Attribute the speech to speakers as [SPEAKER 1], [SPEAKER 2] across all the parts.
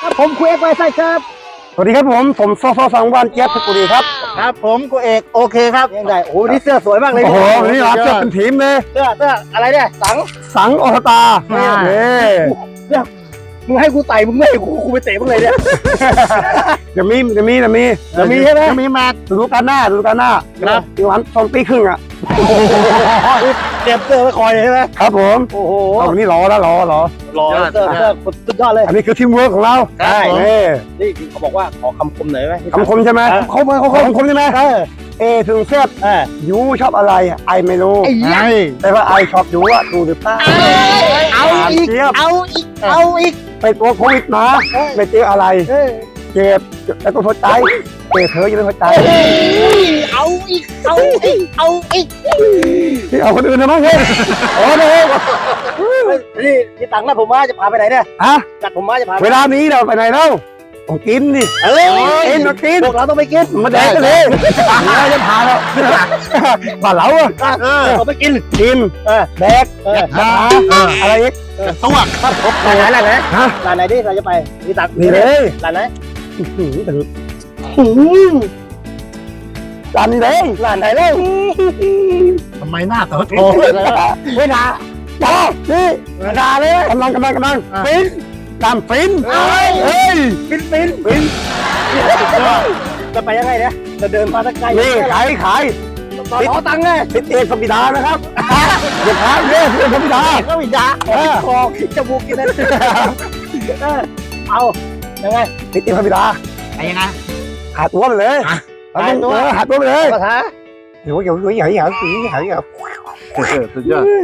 [SPEAKER 1] ผมคุยไว้ใส่ครับสวัสดีครับผมซอสังวานเจี๊ยบเพชรบุรีครับ
[SPEAKER 2] ครับผมกูเอกโอเคครับ
[SPEAKER 1] ยังไงโอ้นี่เสื้อสวยมากเลย
[SPEAKER 3] โอ้โหนี่รับเสื้อเป็นทีมเลย
[SPEAKER 1] เสื้ออะไรเนี่ย
[SPEAKER 3] สังอสตา
[SPEAKER 1] เนี่ยมึงให้กูไต่มึงไม่ให้กูไปเตะมึงเลยเนี่ย
[SPEAKER 3] จะมี
[SPEAKER 1] ใช่ไหม
[SPEAKER 3] จะมีมาดูกันหน้าครับอีกวัน2 ปีครึ่งอ่ะ
[SPEAKER 1] เตรียมเสื้อไว้คอยเลยใช่ไหม
[SPEAKER 3] ครับผม
[SPEAKER 1] โอ้โห
[SPEAKER 3] วันนี้รอเ
[SPEAKER 1] เสื้อสุดยอดเลย
[SPEAKER 3] อันนี้คือทีมเวิร์กของเรา
[SPEAKER 1] ใช่นี่เขาบอกว่าขอคำคมหน่อยไหม
[SPEAKER 3] คำคมใช่ไหมเขาคำคมใช่ไหมถึงเสื้อยูชอบอะไรไอไม่รู้แต่ว่าไอชอบยูอะดูหรือเปล่า
[SPEAKER 1] เอาอีก
[SPEAKER 3] ไปตัวโควิดมาไม่เจออะไรเจ็บแล้วก็หัวใจเจ็บเธอยังไม่หัวใจ
[SPEAKER 1] เอาอีก
[SPEAKER 3] ที่เอาคนอื่นนะมั้งเฮ้ยโอ้
[SPEAKER 1] นี่ที่ตังค์นะผมว่าจะพาไปไหนเนี่ยจัดผมว่าจะพา
[SPEAKER 3] เวลานี้เราไปไหนเล่าต้องกินดิกินพ
[SPEAKER 1] วกเราต้องไปกิน
[SPEAKER 3] มาแดกกันเลยเราจะพาเราบ้านเราอ่ะ
[SPEAKER 1] เราไปกิน
[SPEAKER 3] แดกมาอะไรอีก
[SPEAKER 1] ตัวครับร้านไหนร้านไหนดิเราจะไปที่ตังค์
[SPEAKER 3] นี่เลย
[SPEAKER 1] ร้านไหน
[SPEAKER 3] ร้านนี้เลย
[SPEAKER 1] ร้านไหนเลย
[SPEAKER 2] ทำไมหน้าโต
[SPEAKER 3] ไม่ด่านี่ด่าเลยกำลังฟินตามฟิน
[SPEAKER 1] ฟินจะไปยังไงเนี่ยจะเดินมาตะไกล
[SPEAKER 3] นี่ขาย
[SPEAKER 1] ขอตังค์ไง
[SPEAKER 3] ฟิตเอกสมิดานะครับอย่าพลาดเลยฟิตเอกสมิดา
[SPEAKER 1] คอจมูกกินนั่นเอายังไง
[SPEAKER 3] ฟิตเอกสมิดา
[SPEAKER 2] ยังไง
[SPEAKER 3] หาตัวไปเลยหาตัวไปเลยเดี๋ยว
[SPEAKER 2] สุดยอด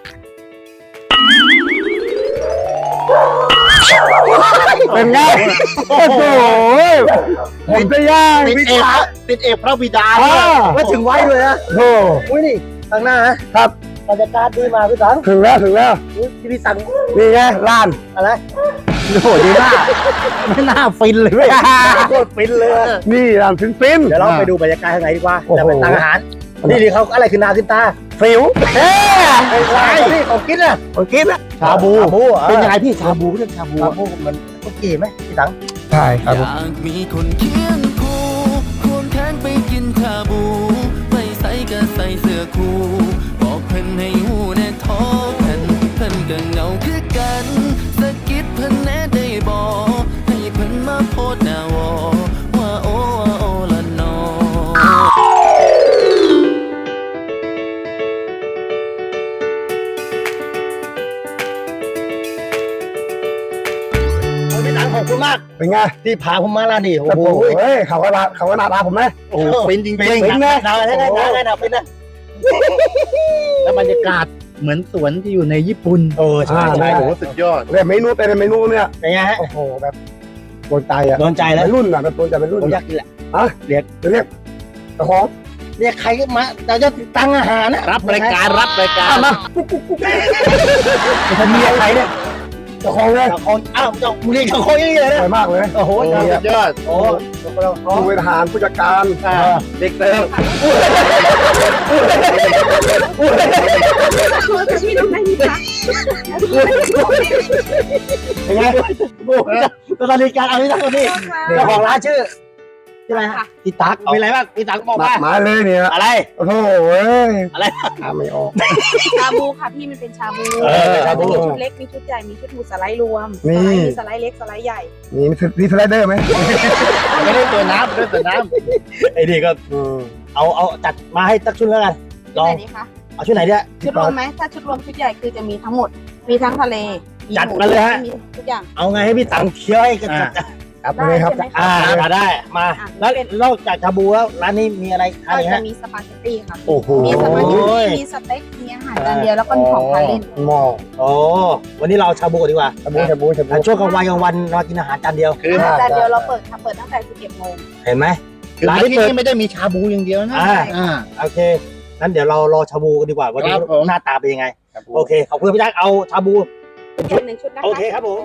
[SPEAKER 3] เป็นไงโอ้โหผมจะย่าง
[SPEAKER 2] ติดเอกพระบิดา
[SPEAKER 1] ว่าถึงไว้ด้วยนะ
[SPEAKER 3] โอ้
[SPEAKER 1] ยนี่ทางหน้า
[SPEAKER 3] ครับ
[SPEAKER 1] บรรยากาศดีมาพี่สัง
[SPEAKER 3] ถึงแล้ว
[SPEAKER 1] ที่พี่สัง
[SPEAKER 3] นี่ไงร้าน
[SPEAKER 1] อะไร
[SPEAKER 2] โอ้โหดีมากไม่น่าฟินเลย
[SPEAKER 1] โคตรฟินเลย
[SPEAKER 3] นี่ร้านฟิน
[SPEAKER 1] เดี๋ยวเราไปดูบรรยากาศข้างในดีกว่าแล้วไปตังอาหารนี่เขาอะไรคือนาขึ้นตา
[SPEAKER 3] ฟิว
[SPEAKER 1] นี่ของกินอ่ะ
[SPEAKER 3] ชาบู
[SPEAKER 1] เป็นยังไงพี่ชาบูเรื่องชาบูมันโอเคไหมพี่สัง
[SPEAKER 3] ใช่ครับ
[SPEAKER 4] อยากมีคนเคียงคู่ควงแขนไปกินชาบูไปใส่ก็ใส่เสื้อคู่บอกเพิ่นให้หูแน่ท้อเพิ่นก็เหงาคือกันสะกิดเพิ่นแน่ได้บอกให้เพิ่นมาโพสหน้าวอว่าโอ้ละนอ
[SPEAKER 1] ขอบคุณมาก
[SPEAKER 3] เป็นไง
[SPEAKER 1] ที่พาผมมาร้านนี้โอ้โห
[SPEAKER 3] เขาก็น่ารักผมไหม
[SPEAKER 1] โอ้เป็นจริงๆนะเป็นนะ
[SPEAKER 2] แล้วบรรยากาศเหมือนสวนที่อยู่ในญี่ปุ่น
[SPEAKER 1] ใช่
[SPEAKER 2] โอ้โหสุดยอด
[SPEAKER 3] แต่เมนูเนี่ย
[SPEAKER 1] เป็นไงฮะ
[SPEAKER 3] โอ้โหแบบโดนใจ
[SPEAKER 1] แล้ว
[SPEAKER 3] รุ่นอ่ะแบบโดนใจเป็นรุ่น
[SPEAKER 1] ผมอยากกินแหละ
[SPEAKER 3] เรียกเจ้าของ
[SPEAKER 1] เรียกใครมาเราจะตังอาหารนะ
[SPEAKER 2] รับรายการ
[SPEAKER 1] มาจะมีใครเนี่ย
[SPEAKER 3] เจ้าของเลย
[SPEAKER 1] อ้าวมึงเรียกเจ้าของยังไงเลยนะ
[SPEAKER 3] สวยมากเลย
[SPEAKER 1] โอ้โห
[SPEAKER 2] สุดยอด
[SPEAKER 3] ผู้บริหารผู้จัดการ
[SPEAKER 2] เด็กเติม
[SPEAKER 1] เป็นไงตอนนี้การเอาที่ตั้งตัวนี้เจ้าของร้านชื่ออะไรฮะพี่ตั๊กมีอะไรบ้างพี่ตั๊กบอก
[SPEAKER 3] มาเลยเนี่ย
[SPEAKER 1] อะไร
[SPEAKER 3] โอ้โห
[SPEAKER 1] อะไร
[SPEAKER 3] ไม่ออก
[SPEAKER 5] ชาบูค่ะพี่มันเป็นชาบูมีชุดเล็กมีชุดใหญ่มีชุดหมูสไลด์รวมมีสไลด์เล็กสไลด์ใหญ่
[SPEAKER 3] มีสไลเดอร์ไหม
[SPEAKER 2] ไม่ได้ตัวน้ำ
[SPEAKER 1] ไอ้นี่ก็เอาจัดมาให้ตักชุดแล้วกัน
[SPEAKER 5] ลอง
[SPEAKER 1] เอาชุดไหนเนี่ย
[SPEAKER 5] ชุดรวมไหมถ้าชุดรวมชุดใหญ่คือจะมีทั้งหมดมีทั้งทะเล
[SPEAKER 1] จัดมาเลยฮะ
[SPEAKER 5] มีทุกอย่าง
[SPEAKER 1] เอาไงให้พี่ตังเคี้ยวให้กัน
[SPEAKER 3] เลยครับ
[SPEAKER 1] ได้มาแล้วนอกจากชาบูแล้วร้านนี้มีอะไรอะไรฮะ
[SPEAKER 5] มีสปาเกตตี้ค่ะ
[SPEAKER 1] โอ้โห
[SPEAKER 5] มีสปาเกตตี้มีสเต็กมีอาหารจานเดียวแล้วก็มีของทานเล่น
[SPEAKER 1] วันนี้เราชาบูดีกว่า
[SPEAKER 3] ชาบู
[SPEAKER 1] ช่วงกลางวันเรากินอาหารจานเดียว
[SPEAKER 5] คือจานเดียวเราเปิดตั้งแต่ 11 โมง
[SPEAKER 1] เห็นไหม
[SPEAKER 2] ร้านที่นี่ไม่ได้มีชาบูอย่างเดียวนะ
[SPEAKER 1] โอเคงั้นเดี๋ยวเรารอชาบูกันดีกว่าวันนี้หน้าตาเป็นยังไงโอเคขอบคุณพี่จักเอาชาบู
[SPEAKER 5] 1 ชุดนะคะ
[SPEAKER 1] โอเคครับผม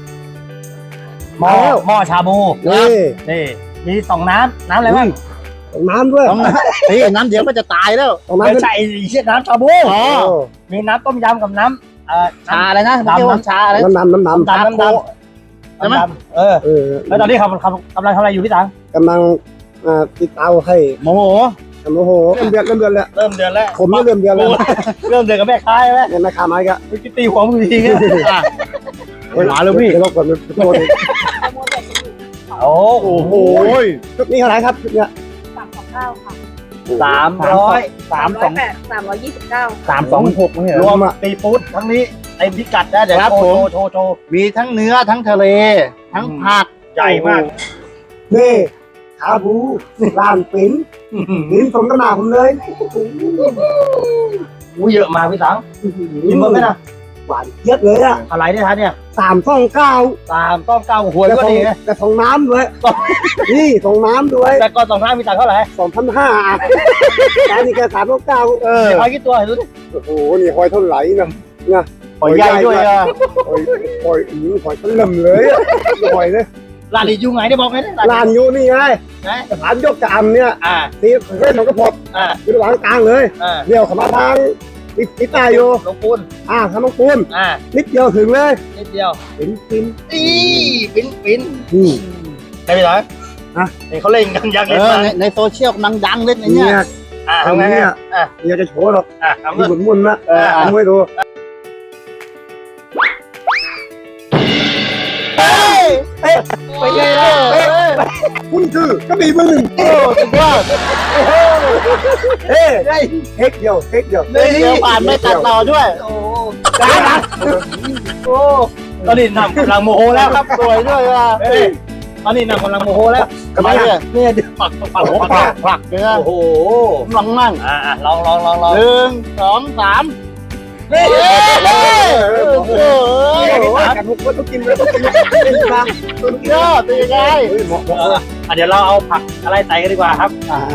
[SPEAKER 1] หม้อชาบูนี่มี2น้ำอะไรบ้าง
[SPEAKER 3] น้ำด้วย
[SPEAKER 2] ต้องเฮ้ยน้ำเดี๋ยวก็จะตายแล้ว
[SPEAKER 3] น้ำ
[SPEAKER 1] ไม่ใช่เชี่ยน้ำชาบู
[SPEAKER 2] อ๋อ
[SPEAKER 1] มีน้ำต้มยำกับน้ำ
[SPEAKER 2] ชาอะไรนะไม่ใช่ว่าชาอะไร
[SPEAKER 3] น้ำ
[SPEAKER 1] น้ำดำ
[SPEAKER 2] ใช่ไหม
[SPEAKER 1] เออแล้วตอนนี้เขากำลังทำอะไรอยู่พี่ตัง
[SPEAKER 3] กำลังติดเตาให้
[SPEAKER 2] โมโห
[SPEAKER 3] โอ้โหเริ่มเดือดแล้ว
[SPEAKER 1] เริ่มเดือนแล้ว
[SPEAKER 3] ผมนี่เริ่มเดือดแล้ว
[SPEAKER 1] เริ่มเดือนกับแม่ค้าใช่ไหม
[SPEAKER 3] เนี่ยแม่ค้าไม้ก็
[SPEAKER 1] เมื่อกี้ตีหัวมึงทีเงี้ย
[SPEAKER 2] หมาเลยพี่
[SPEAKER 3] เดี๋ยวเราก่อนโทษ
[SPEAKER 1] โอ้โห
[SPEAKER 3] ชุดนี้เท่าไหร่ครับชุดเนี้ย
[SPEAKER 5] 329 ค่ะ
[SPEAKER 1] 300
[SPEAKER 5] 329
[SPEAKER 1] 326รวมตีฟู้ดทั้งนี้เต็มพิกัดนะเดี๋ยวโชว์
[SPEAKER 2] มีทั้งเนื้อทั้งทะเล ทั้งผัก
[SPEAKER 1] ใหญ่มาก
[SPEAKER 3] นี่ชาบูร้านปิ้นสมกระหน่ำผมเลย
[SPEAKER 1] อู้เยอะมากพี่ตังกินหมดไหมนะ
[SPEAKER 3] หวานเยอะเลยอ่ะ
[SPEAKER 1] อะไรเนี่ยฮะเนี่ย
[SPEAKER 3] 329
[SPEAKER 1] 3 9 หัวก็ดีนะ
[SPEAKER 3] แต่ส่งน้ำด้วยนี่ส่งน้ำด้วย
[SPEAKER 1] แต่ก่อน2 5พี่ตังเท่าไหร่
[SPEAKER 3] 2,500แต่นี่แค่399
[SPEAKER 1] เดี๋ยวพอกี่ตัวเห็นดูดิ
[SPEAKER 3] โอ้โหนี่หอยเท่าไหร่นะ
[SPEAKER 2] หอยใหญ่ด้วยอ่ะ
[SPEAKER 3] หอยเริ่มเลยหอยเลย
[SPEAKER 1] ร้านนี้อยู่ไหนได้บอกไหมเนี่ย
[SPEAKER 3] ร้านอยู่นี่ไง
[SPEAKER 1] ไหน
[SPEAKER 3] สถานยกกระอำเนี่ย ที่เส้นมันก็พด
[SPEAKER 1] อ่า
[SPEAKER 3] อยู่ระหว่างกลางเลย
[SPEAKER 1] อ่า
[SPEAKER 3] เดี่ยวเข้ามาทางติดใต้อยู่
[SPEAKER 1] หลวงปูน
[SPEAKER 3] ทางน้องปูน นิดเดียวถึงเลย
[SPEAKER 1] นิดเดียว
[SPEAKER 3] ปิ้น
[SPEAKER 1] อีปิ้น
[SPEAKER 3] นี่
[SPEAKER 1] ใช่ไหมล่ะนี่เขาเล่นกันยักษ์
[SPEAKER 2] เอ
[SPEAKER 1] เล่น
[SPEAKER 2] อ
[SPEAKER 1] มา
[SPEAKER 2] ในโซเชียลกำลังดังเล่นใน
[SPEAKER 3] เนี่
[SPEAKER 2] เนี้ย
[SPEAKER 3] ย
[SPEAKER 1] ทำไง
[SPEAKER 3] เนี่ยอยากจะโชว์หรอก
[SPEAKER 1] ทำ
[SPEAKER 3] มี
[SPEAKER 1] เลย
[SPEAKER 3] หมุนๆนะเอาให้ดู
[SPEAKER 1] ไปไงล่ะ
[SPEAKER 3] คุณคือกระบี่มือหนึ่ง
[SPEAKER 2] โอ้สุดยอด
[SPEAKER 3] เทคเดียว
[SPEAKER 2] เดี๋ยวผ่านไม่ตัดต่อด้วย
[SPEAKER 1] โอ้ได้นะโอ้ตอนนี้นำกำลังโมโหแล้วครับ
[SPEAKER 2] สวยด้วยว่ะ
[SPEAKER 1] ตอนนี้นำกำลังโมโหแล้ว
[SPEAKER 2] ทำไมเนี่ย
[SPEAKER 1] เนี่ยปัก
[SPEAKER 2] ผลักเนื้อ
[SPEAKER 1] โอ้โห
[SPEAKER 2] ลองมั่ง
[SPEAKER 1] ลอง
[SPEAKER 2] 1 2 3
[SPEAKER 1] นี่
[SPEAKER 2] โอ้โห
[SPEAKER 3] กันทุกคนต้องกินเลยต้องกิน
[SPEAKER 2] สุดยอดเป็นยังไง
[SPEAKER 1] เดี๋ยวเราเอาผักอะไรใส่กันดีกว่าครับ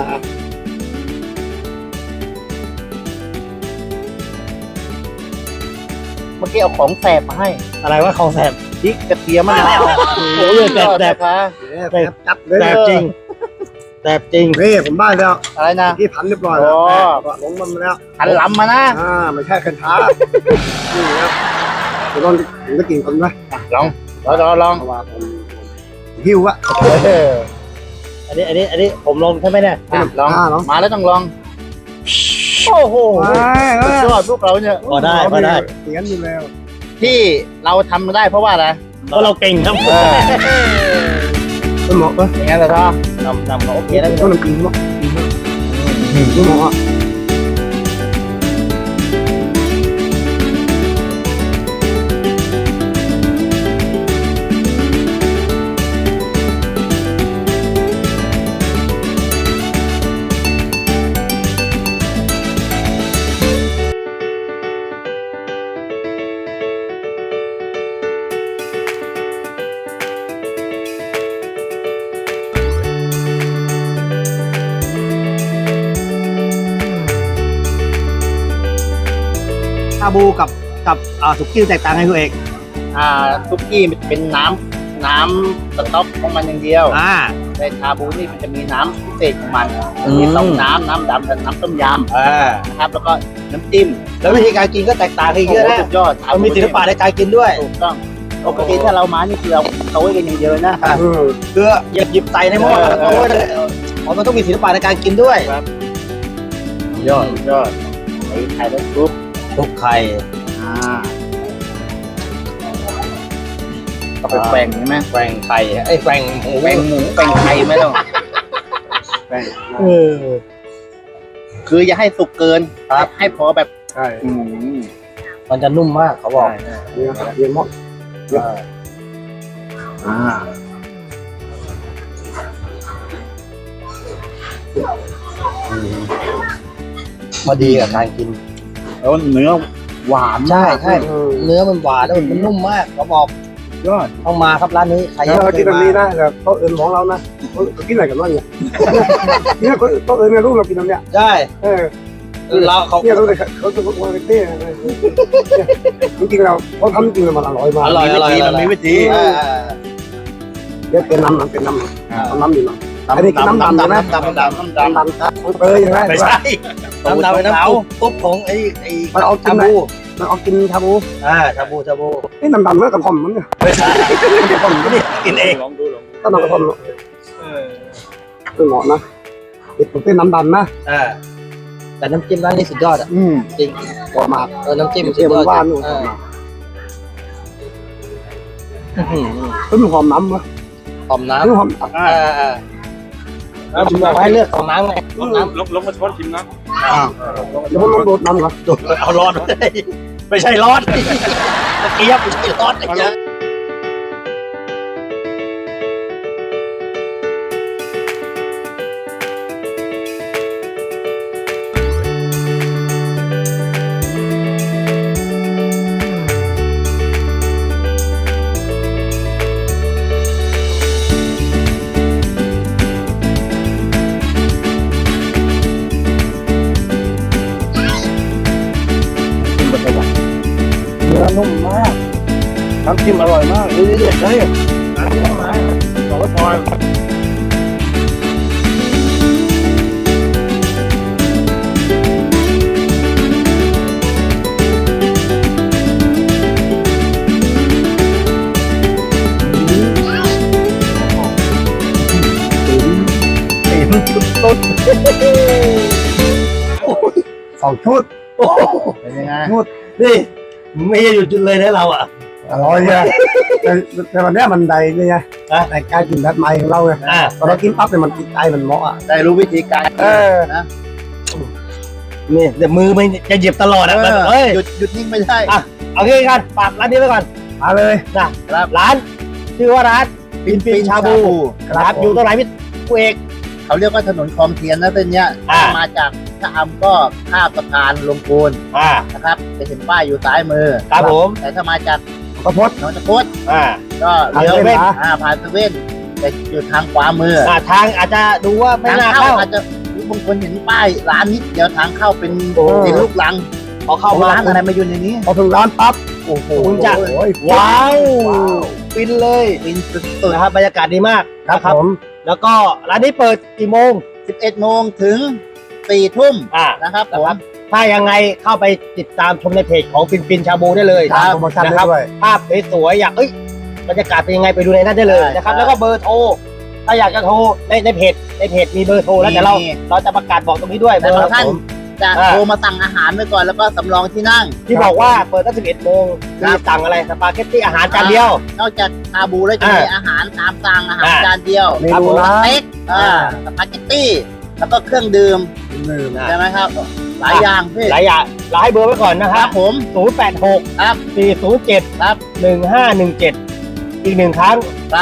[SPEAKER 2] เมื่อกี้เอาของแสบมาให้
[SPEAKER 1] อะไรว่าเขาแสบ
[SPEAKER 2] พริกกระเทียมมะนาว
[SPEAKER 1] โอ้ยแสบ
[SPEAKER 2] ค่ะ
[SPEAKER 3] จับเลย
[SPEAKER 1] แสบจริงแสบจริง
[SPEAKER 3] นี่ผมได้แล้ว
[SPEAKER 2] อะไรนะ
[SPEAKER 3] ที่พันเรียบร้อยแล้วลงมันแล้ว
[SPEAKER 2] หันลำมานะ
[SPEAKER 3] ไม่ใช่คันช้านี่ครับเดี๋ยวผมจะกินคนไหม
[SPEAKER 2] ลอง
[SPEAKER 3] เพราะว่าผมหิวอะ
[SPEAKER 1] อันนี้ผมลงใช่ไหมเนี่ย
[SPEAKER 2] ลองมาแล้วต้องลอง
[SPEAKER 1] โอ้โห
[SPEAKER 2] สุดยอดพวกเราเนี่ย
[SPEAKER 1] พอได้
[SPEAKER 3] เสียงอยู่แล้ว
[SPEAKER 2] ที่เราทำได้เพราะว่าอะไร
[SPEAKER 1] เพราะเราเก่งครับ
[SPEAKER 3] คุณหมอ
[SPEAKER 2] อย่างนั้นเหรอครับ
[SPEAKER 1] นำโอเคแล้ว
[SPEAKER 3] ต้องกินหมอคุณหมอ
[SPEAKER 1] ชาบูกับสุกี้แตกต่างกันตัวเอง
[SPEAKER 2] ซุกี้มันเป็นน้ำสต๊อกของมันอย่างเดียวในชาบูนี่มันจะมีน้ำพิเศษของมันมีสองน้ำดำกับน้ำต้มยำนะครับแล้วก็น้ำจิ้ม
[SPEAKER 1] แล้ววิธีการกินก็แตกต่างกันเยอะนะ
[SPEAKER 2] สุดยอด
[SPEAKER 1] เรามีศิลปะในการกินด้วย
[SPEAKER 2] ถูกต้องปกติถ้าเรามานี่คือเราเขาไว้กันอย่างเดียวนะ
[SPEAKER 1] คือหยิบใส่ในหม้อแล้วก็มันต้องมีศิลปะในการกินด้วย
[SPEAKER 2] ยอดไอ้ไข่แล้วซุป
[SPEAKER 1] ทุกไข่
[SPEAKER 2] ก็ไปแกว่งใช่ไหม
[SPEAKER 1] แกว่งไข่แกว่งหมู
[SPEAKER 2] แกว่งหมูแกว่งไข่ไม่ต้องแกว่งคืออย่าให้สุกเกินให้พอแบบ
[SPEAKER 3] ใช่
[SPEAKER 1] มันจะนุ่มมากเขาบอก
[SPEAKER 3] เยี่ยมมาก
[SPEAKER 1] พอดีกับการกิน
[SPEAKER 2] แล้วเนื้อหวาน
[SPEAKER 1] ใช่เนื้อมันหวานแล้วมันนุ่มมากเขาบอก
[SPEAKER 2] ยอด
[SPEAKER 1] ต้องมาครับร้านนี้ใคร
[SPEAKER 3] แล้วเรากินแบบนี้นะแบบโต๊ะอื่นของเรานะเขากินอะไรกันบ้างเนี่ยเนี่ยคนโต๊ะอื่นเนี่ยลูกเรากินแบบเนี้ย
[SPEAKER 1] ใช่เราเขา
[SPEAKER 3] เนี่ยรู้เลยเขาจะวางเต้จริงๆเราเขาทำจริงมันอร่อยมาก
[SPEAKER 1] อร่อย
[SPEAKER 2] มันมีวิธี
[SPEAKER 3] เดี๋ยวเป็นน้ำอยู่เนาะอันนี้คือน้ำดำใช่ไหม
[SPEAKER 2] น้ำดำ
[SPEAKER 3] น้ำดำของเตยใช่ไหม
[SPEAKER 1] ไม่ใช่น้ำดำเป็นน้ำซุปของไอ้
[SPEAKER 3] มันเอากิน
[SPEAKER 1] ชา
[SPEAKER 3] ไหน
[SPEAKER 1] บู
[SPEAKER 3] มันเอากินชาบู
[SPEAKER 1] ชาบู
[SPEAKER 3] นี่น้ำดำเมื่อกระเพาะมันเนี่ย
[SPEAKER 1] ไม่ใช่กระผมนี่กินเอง
[SPEAKER 3] ก็น้ำกระเพาะคือเหมาะนะผมเป็นน้ำดำนะ
[SPEAKER 1] แต่น้ำจิ้มร้านนี้สุดยอดอ่ะจริง
[SPEAKER 3] เหมาะมาก
[SPEAKER 1] น้ำจิ้มสุ
[SPEAKER 3] เที่
[SPEAKER 1] ด
[SPEAKER 3] ยวย
[SPEAKER 1] อด
[SPEAKER 3] ว่านนู่นคือหอมน้ำวะ
[SPEAKER 1] หอมน้
[SPEAKER 3] คือหอม
[SPEAKER 1] ำเราให้เลือกของน้ำไง
[SPEAKER 6] ลงมาช้อนชิมนะ
[SPEAKER 3] เดี๋ยวผมลองโดดน้ำก่อน
[SPEAKER 1] เอาร้อนไม่ใช่ร้อนตะเกียบไม่ใช่ร้อนไอ้เจ้าเนื้อนุ่มมากน้ำจิ้มอร่อยมากเด็ดเลยน้ำจิ้มมาสองพอยต้น
[SPEAKER 3] 2 ชุด
[SPEAKER 2] เป็นยังไง
[SPEAKER 1] นี่ไม่ได้หยุดเลยนะเราอ่ะ
[SPEAKER 3] อร่อยเนี่ยแต่วันนี้มันใดนี่ไงแต่การกินแบบใหม่ของเราไงตอนเรากินปั๊บเนี่ยมันติดใจมันเหมาะอ่ะ
[SPEAKER 2] ได้รู้วิธีการนะ
[SPEAKER 1] นี่เดี๋ยวมือมันจะหยิบตลอดอ่ะเฮ้ย
[SPEAKER 2] หยุดนิ่งไม่ได้
[SPEAKER 1] เอางี้กันฝากร้านนี้ไว้ก่อน
[SPEAKER 3] มาเลย
[SPEAKER 1] นะครับร้านชื่อว่าร้านปินชาบูครับอยู่ตรงไหนพี่กูเอก
[SPEAKER 2] เขาเรียกว่าถนนคลองเทียนนะเส้นเนี้ยมาจากชะอำก็ข้ามสะพานลงปูนนะครับจะเห็นป้ายอยู่ซ้ายมือ
[SPEAKER 1] ครับผม
[SPEAKER 2] แต่ถ้ามาจาก
[SPEAKER 3] กระพด
[SPEAKER 2] หนองตะพด
[SPEAKER 1] อ่า
[SPEAKER 2] ก็เลี้ยวเว้นผ่านเซเว่นแต่อยู่ทางขวามือ
[SPEAKER 1] ทางอาจจะดูว่าไม่
[SPEAKER 2] ทาง
[SPEAKER 1] น่า
[SPEAKER 2] เข้า
[SPEAKER 1] เข้า
[SPEAKER 2] อาจจะบางคนเห็นป้ายร้านนิดเดียวทางเข้าเป็นเป็นลูกลัง
[SPEAKER 1] พอเข้ามา
[SPEAKER 2] ร้านอะไรมาอยู่ในนี้
[SPEAKER 3] พอถึงร้านปั๊บ
[SPEAKER 1] โอ้โหคุณจะ
[SPEAKER 3] โอ้ย
[SPEAKER 1] ว้าวฟินเลย
[SPEAKER 2] เป็นสุด
[SPEAKER 1] นะครับบรรยากาศดีมาก
[SPEAKER 3] ครับผม
[SPEAKER 1] แล้วก็ร้านนี้เปิดกี่โมง
[SPEAKER 2] 11 โมงถึง 4 ทุ่มนะครับผม
[SPEAKER 1] ถ้ายังไงเข้าไปติดตามชมในเพจของปินชาบูได้เลย
[SPEAKER 3] ตามโปรโมชั่น
[SPEAKER 1] นะ
[SPEAKER 3] ได้
[SPEAKER 1] ครับ
[SPEAKER 3] ด้วย
[SPEAKER 1] ภาพสวยๆอยากบรรยากาศเป็นยังไงไปดูในนั้นได้เลยนะครับแล้วก็เบอร์โทรถ้าอยากจะโทรในเพจมีเบอร์โทรแล้วแต่เราจะประกาศบอกตรงนี้ด้วยเบ
[SPEAKER 2] แต่
[SPEAKER 1] อร์
[SPEAKER 2] บางท่านจะโทรมาสั่งอาหารไว้ก่อนแล้วก็สำรองที่นั่ง
[SPEAKER 1] ที่บอกว่าเปิดตั้ง11 โมงมีสั่งอะไรสปาเกตตี้อาหารจานเดียว
[SPEAKER 2] นอกจากชาบูแล้วจะมีอาหารตามสั่งอาหารจานเดียว
[SPEAKER 3] เมนูนะ
[SPEAKER 2] สเต็กสปาเกตตี้แล้วก็เครื่องดื่มใช่ไหมครับหลายอย่างพี่
[SPEAKER 1] หลายอย่างเราให้เบอร์ไว้ก่อนนะค
[SPEAKER 2] ค
[SPEAKER 1] รั
[SPEAKER 2] รั
[SPEAKER 1] บบ
[SPEAKER 2] ผม
[SPEAKER 1] 086
[SPEAKER 2] ครับ
[SPEAKER 1] 407
[SPEAKER 2] ครับ
[SPEAKER 1] 1517อีกหนึ่งครั้ง
[SPEAKER 2] ครับ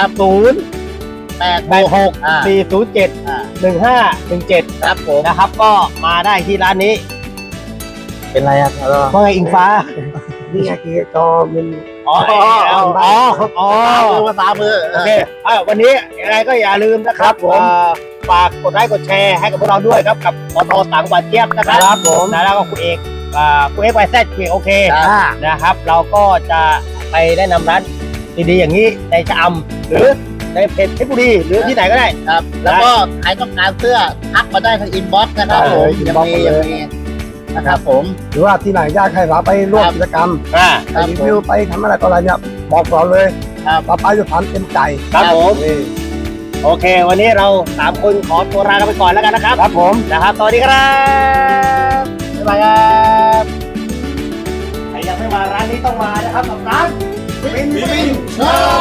[SPEAKER 1] 086 407 1517
[SPEAKER 2] ครับผม
[SPEAKER 1] นะครับก็มาได้ที่ร้านนี้
[SPEAKER 2] เป็นไรอ่ะ
[SPEAKER 1] ว่าไงอิงฟ้า
[SPEAKER 3] นี่ไงคือจอมัน
[SPEAKER 1] อ๋อ
[SPEAKER 2] ภาษามือ
[SPEAKER 1] โอเควันนี้ยังไงก็อย่าลืมนะครับฝากกดไลค์กดแชร์ให้กับพวกเราด้วยครับกับปตต่างหวัดเจี๊ยบนะครับ
[SPEAKER 3] ครับผม
[SPEAKER 1] แล้วก็คุณเอกไวแซดโอเคนะครับ เราก็จะไปแนะนำร้านดีๆอย่างนี้ในชะอำหรือในเพจเพชรบุรีหรือที่ไหนก็ได้
[SPEAKER 2] ครับ แล้วก็ใครต้องการเสื้อทักมาได้ทางอินบ็อกซ์นะครับผมยังมีนะครับผม
[SPEAKER 3] หรือว่าที่ไหนอยากให้เราไปร่วมกิจกรรมไปรีวิวไปทำอะไรต่ออะไรเนี่ยบอกเราเลยเราไปด้วยความเต็มใจ
[SPEAKER 1] ครับผมโอเค วันนี้เรา3 คนขอตัวลากันไปก่อนแล้วกันนะครับ
[SPEAKER 3] ครับผม
[SPEAKER 1] นะครับสวัสดีครับบ๊ายบายครับใครยังไม่มาร้านนี้ต้องมานะครับกับร้านปินชา